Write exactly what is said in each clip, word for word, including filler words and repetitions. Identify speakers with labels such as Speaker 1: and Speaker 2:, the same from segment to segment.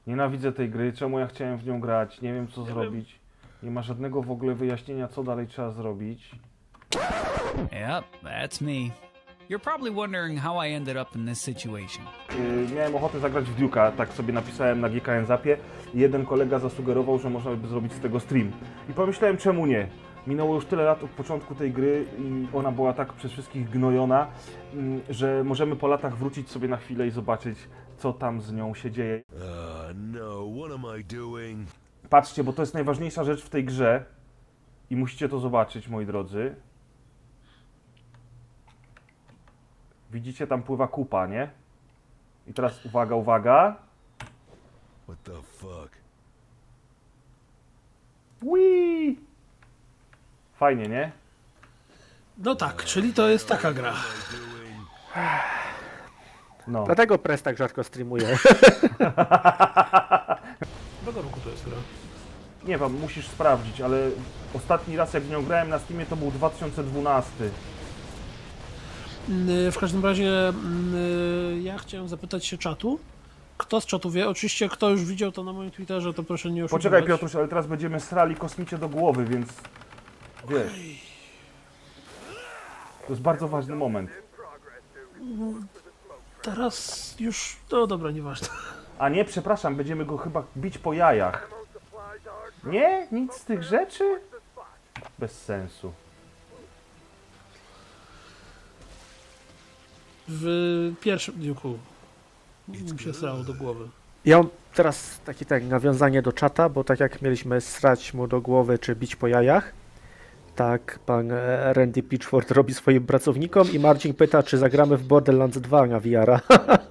Speaker 1: Nienawidzę tej gry, czemu ja chciałem w nią grać, nie wiem co
Speaker 2: Nie
Speaker 1: zrobić. Nie ma żadnego w ogóle wyjaśnienia, co dalej trzeba zrobić.
Speaker 3: Yep, that's me. You're probably wondering how I ended up in this situation.
Speaker 1: Yy, miałem ochotę zagrać w Duke'a, tak sobie napisałem na G K N Zapie. Jeden kolega zasugerował, że można by zrobić z tego stream. I pomyślałem, czemu nie? Minęło już tyle lat od początku tej gry i ona była tak przez wszystkich gnojona, mm, że możemy po latach wrócić sobie na chwilę i zobaczyć, co tam z nią się dzieje.
Speaker 4: Uh, no, what am I doing?
Speaker 1: Patrzcie, bo to jest najważniejsza rzecz w tej grze i musicie to zobaczyć, moi drodzy. Widzicie, tam pływa kupa, nie? I teraz uwaga, uwaga.
Speaker 4: What the fuck?
Speaker 1: Whee! Fajnie, nie?
Speaker 2: No tak, czyli to jest taka gra.
Speaker 1: No.
Speaker 5: Dlatego Press tak rzadko streamuje.
Speaker 2: Którego roku to jest gra?
Speaker 1: Nie wiem, musisz sprawdzić, ale ostatni raz jak w nią grałem na Steamie to był dwa tysiące dwunasty.
Speaker 2: Mm, W każdym razie mm, ja chciałem zapytać się czatu. Kto z czatu wie? Oczywiście kto już widział to na moim Twitterze, to proszę nie oszukiwać.
Speaker 1: Poczekaj Piotruś, ale teraz będziemy srali kosmicie do głowy, więc wiesz. To jest bardzo ważny moment.
Speaker 2: Teraz już... No dobra, nieważne.
Speaker 1: A nie, przepraszam, będziemy go chyba bić po jajach. Nie? Nic z tych rzeczy? Bez sensu.
Speaker 2: W pierwszym Duke'u mi się srało do głowy.
Speaker 5: Ja mam teraz takie tak nawiązanie do czata, bo tak jak mieliśmy srać mu do głowy czy bić po jajach, tak pan e, Randy Pitchford robi swoim pracownikom i Marcin pyta, czy zagramy w Borderlands dwa na V R a.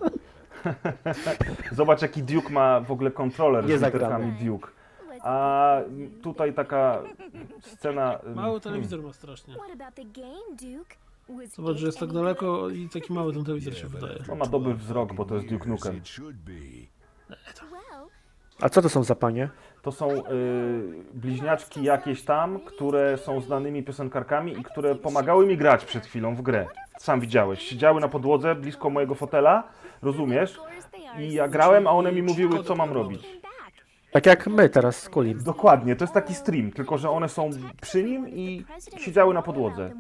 Speaker 1: Zobacz jaki Duke ma w ogóle kontroler
Speaker 5: Nie
Speaker 1: z
Speaker 5: zagramy.
Speaker 1: literkami Duke. A tutaj taka scena...
Speaker 2: Mały telewizor ma strasznie.
Speaker 6: What about the game, Duke? Was
Speaker 2: Zobacz, że
Speaker 6: it
Speaker 2: jest tak
Speaker 6: any
Speaker 2: daleko i taki mały ten telewizor się wydaje.
Speaker 1: On ma dobry wzrok, bo to jest Duke Nukem.
Speaker 4: It should be.
Speaker 6: good? Well,
Speaker 5: A co to są za panie?
Speaker 1: To są y, bliźniaczki jakieś tam, które są znanymi piosenkarkami i które pomagały mi grać przed chwilą w grę. Sam widziałeś. Siedziały na podłodze blisko mojego fotela, rozumiesz?
Speaker 6: of course they are.
Speaker 1: I ja grałem, a one mi mówiły, co mam robić.
Speaker 6: Came back.
Speaker 5: Tak jak my teraz z Kulim.
Speaker 1: Dokładnie, to jest taki stream, tylko że one są przy nim i siedziały na podłodze.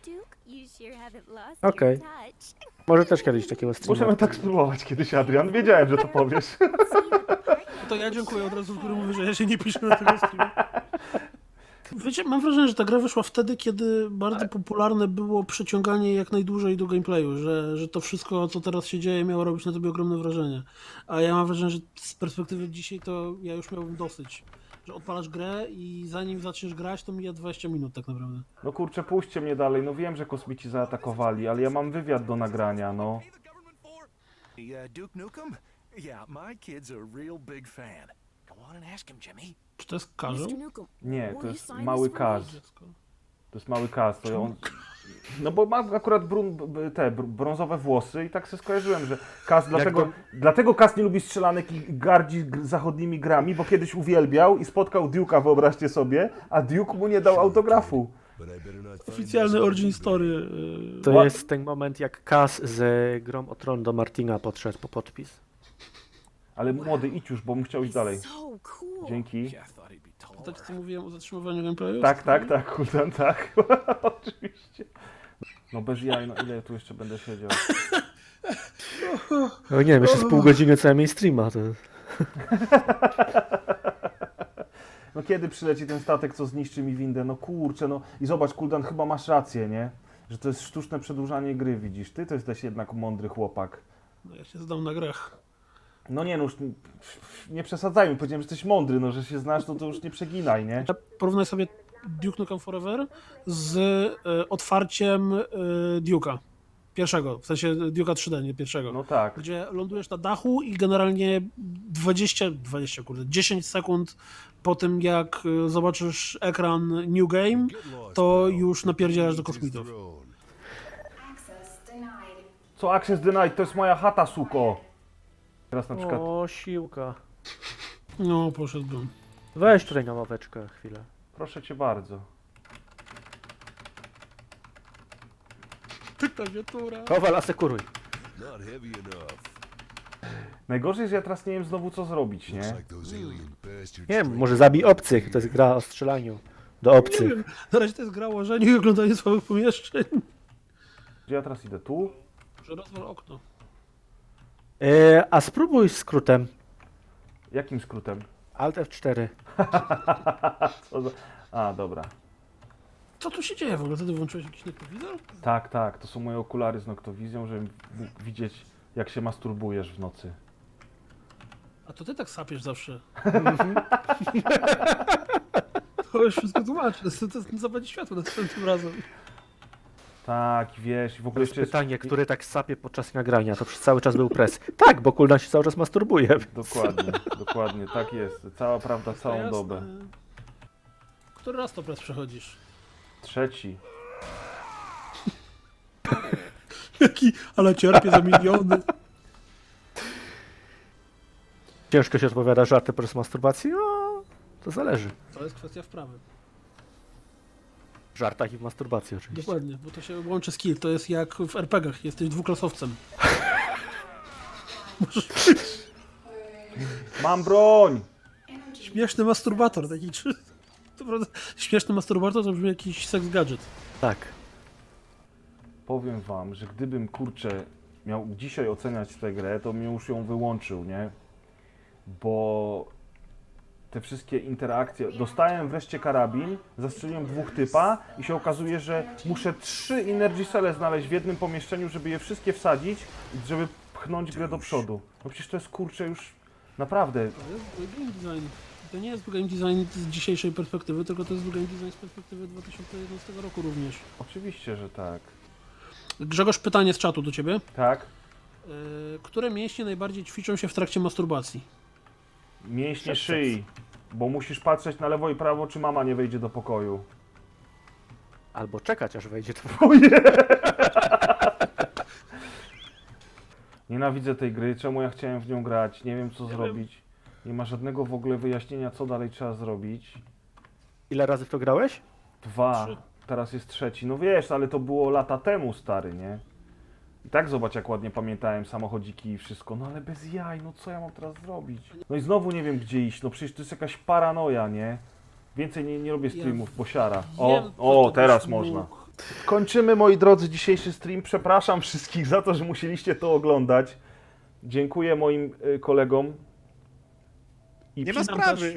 Speaker 5: Okej. Może też kiedyś takiego streama.
Speaker 1: Możemy tak spróbować kiedyś, Adrian. Wiedziałem, że to powiesz.
Speaker 2: To ja dziękuję od razu, który mówi, że ja się nie piszę na tego streamu. Wiecie, mam wrażenie, że ta gra wyszła wtedy, kiedy bardzo popularne było przeciąganie jak najdłużej do gameplayu, że, że to wszystko, co teraz się dzieje, miało robić na tobie ogromne wrażenie. A ja mam wrażenie, że z perspektywy dzisiaj to ja już miałbym dosyć. Że odpalasz grę i zanim zaczniesz grać, to mija dwadzieścia minut tak naprawdę.
Speaker 1: No kurczę, puśćcie mnie dalej. No wiem, że kosmici zaatakowali, ale ja mam wywiad do nagrania, no.
Speaker 7: Uh, Duke Nukem? Yeah, my kid's a real big fan. Go on and ask him, Jimmy.
Speaker 2: Czy to jest karzeł?
Speaker 6: mister Nukem,
Speaker 1: Nie,
Speaker 6: will
Speaker 1: to
Speaker 6: you
Speaker 1: jest
Speaker 6: sign
Speaker 1: mały
Speaker 6: this for me?
Speaker 1: kaz. To jest mały kaz, to on... No bo ma akurat brun, b- te br- brązowe włosy i tak sobie skojarzyłem, że Kaz dlatego,
Speaker 5: to-
Speaker 1: dlatego Kaz nie lubi strzelanek i gardzi g- zachodnimi grami, bo kiedyś uwielbiał i spotkał Duke'a, wyobraźcie sobie, a Duke mu nie dał autografu.
Speaker 4: But I better not find
Speaker 2: Oficjalny
Speaker 4: this
Speaker 2: origin
Speaker 4: out
Speaker 2: story.
Speaker 4: today.
Speaker 2: yy,
Speaker 5: To
Speaker 1: What?
Speaker 5: jest ten moment, jak Kaz z grą o Tron do Martina podszedł po podpis.
Speaker 1: Ale młody, idź już, bo bym chciał iść dalej.
Speaker 6: So cool.
Speaker 1: Dzięki.
Speaker 7: Yeah, I thought he'd be taller.
Speaker 2: Tak, co mówiłem o zatrzymywaniu gameplayu?
Speaker 1: Tak, tak, tak, Kultan, tak. Oczywiście. No bez jaj, no ile ja tu jeszcze będę siedział?
Speaker 5: No nie wiem, jeszcze z pół godziny co najmniej streama. To...
Speaker 1: No kiedy przyleci ten statek, co zniszczy mi windę? No kurczę, no i zobacz, Kuldan, chyba masz rację, nie? Że to jest sztuczne przedłużanie gry, widzisz? Ty to jesteś jednak mądry chłopak.
Speaker 2: No, ja się zdam na grach.
Speaker 1: No nie, no już nie- nie przesadzajmy, powiedziałem, że jesteś mądry, no że się znasz, no to już nie przeginaj, nie?
Speaker 2: Porównaj sobie Duke Nukem Forever z e, otwarciem e, Duke'a. Pierwszego, w sensie Duke'a trzy D, nie pierwszego.
Speaker 1: No tak.
Speaker 2: Gdzie lądujesz na dachu i generalnie dwadzieścia, dwadzieścia kurde, dziesięć sekund po tym jak e, zobaczysz ekran New Game,
Speaker 4: Get lost,
Speaker 2: to
Speaker 4: pal.
Speaker 2: już napierdzielasz do
Speaker 4: Each his
Speaker 2: kosmitów.
Speaker 4: throne.
Speaker 1: Co Access Denied? To jest moja chata, suko! Teraz na przykład...
Speaker 5: O, siłka.
Speaker 2: No, poszedłbym.
Speaker 5: Weź tutaj na ławeczkę chwilę.
Speaker 1: Proszę cię bardzo.
Speaker 2: Klawiatura.
Speaker 5: Kowal, asekuruj.
Speaker 4: Not heavy enough.
Speaker 1: Najgorzej jest, że ja teraz nie wiem znowu co zrobić,
Speaker 4: Looks
Speaker 1: nie?
Speaker 4: like those alien bastards
Speaker 5: Nie wiem,
Speaker 4: trained
Speaker 5: może zabij obcych, to jest gra o strzelaniu do
Speaker 2: Nie
Speaker 5: obcych.
Speaker 2: wiem, na razie to jest gra o łożeniu i oglądanie słabych pomieszczeń.
Speaker 1: Gdzie ja teraz idę? Tu?
Speaker 2: Że rozwal okno.
Speaker 5: E, a spróbuj skrótem.
Speaker 1: Jakim skrótem?
Speaker 5: Alt F cztery.
Speaker 1: Co za... A, dobra.
Speaker 2: Co tu się dzieje w ogóle? Ty włączyłeś jakiś noktowizor?
Speaker 1: Tak, tak, to są moje okulary z noktowizją, żeby mógł widzieć jak się masturbujesz w nocy.
Speaker 2: A to ty tak sapiesz zawsze. To już wszystko tłumaczy. To, to, to zapadnie światło następnym razem.
Speaker 1: Tak, wiesz, w
Speaker 5: To
Speaker 1: ogóle
Speaker 5: jest
Speaker 1: jeszcze jest...
Speaker 5: pytanie, który tak sapie podczas nagrania, to przez cały czas był pres. Tak, bo Kuldan się cały czas masturbuje.
Speaker 1: Dokładnie, dokładnie, tak jest. Cała prawda, całą
Speaker 2: Jasne.
Speaker 1: dobę.
Speaker 2: Który raz to press przechodzisz?
Speaker 1: Trzeci.
Speaker 2: Jaki, ale cierpię za miliony.
Speaker 5: Ciężko się odpowiada żarty przez masturbację? No, to zależy.
Speaker 2: To jest kwestia wprawy.
Speaker 5: W żartach i w masturbacji oczywiście.
Speaker 2: Dokładnie, bo to się łączy skill. To jest jak w er pe gach. Jesteś dwuklasowcem.
Speaker 1: Mam broń!
Speaker 2: Śmieszny masturbator. Taki czy... To prawda, śmieszny masturbator to brzmi jakiś seks gadżet.
Speaker 5: Tak.
Speaker 1: Powiem wam, że gdybym, kurczę, miał dzisiaj oceniać tę grę, to bym już ją wyłączył, nie? Bo te wszystkie interakcje... Dostałem wreszcie karabin, zastrzeliłem dwóch typa i się okazuje, że muszę trzy Energy Celle znaleźć w jednym pomieszczeniu, żeby je wszystkie wsadzić, żeby pchnąć grę do przodu. No przecież to jest, kurczę, już naprawdę...
Speaker 2: To jest zły game design. To nie jest zły game design z dzisiejszej perspektywy, tylko to jest zły game design z perspektywy dwa tysiące jedenastego roku również.
Speaker 1: Oczywiście, że tak.
Speaker 2: Grzegorz, pytanie z czatu do ciebie.
Speaker 1: Tak?
Speaker 2: Yy, które mięśnie najbardziej ćwiczą się w trakcie masturbacji?
Speaker 1: Mięśnie szyi, bo musisz patrzeć na lewo i prawo, czy mama nie wejdzie do pokoju.
Speaker 5: Albo czekać, aż wejdzie to.
Speaker 1: Nienawidzę tej gry, czemu ja chciałem w nią grać, nie wiem co zrobić. Nie ma żadnego w ogóle wyjaśnienia, co dalej trzeba zrobić.
Speaker 5: Ile razy w to grałeś?
Speaker 1: Dwa,
Speaker 2: Trzy.
Speaker 1: teraz jest trzeci. No wiesz, ale to było lata temu, stary, nie? I tak zobacz, jak ładnie pamiętałem samochodziki i wszystko. No ale bez jaj, no co ja mam teraz zrobić? No i znowu nie wiem, gdzie iść. No przecież to jest jakaś paranoja, nie? Więcej nie, nie robię streamów, bo siara. O,
Speaker 2: Wiem, co
Speaker 1: o,
Speaker 2: to
Speaker 1: teraz
Speaker 2: byś
Speaker 1: można.
Speaker 2: mógł.
Speaker 1: Kończymy, moi drodzy, dzisiejszy stream. Przepraszam wszystkich za to, że musieliście to oglądać. Dziękuję moim y, kolegom. I
Speaker 2: Nie ma sprawy.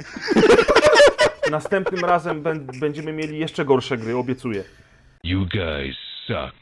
Speaker 1: następnym razem bę- będziemy mieli jeszcze gorsze gry, obiecuję.
Speaker 4: You guys suck.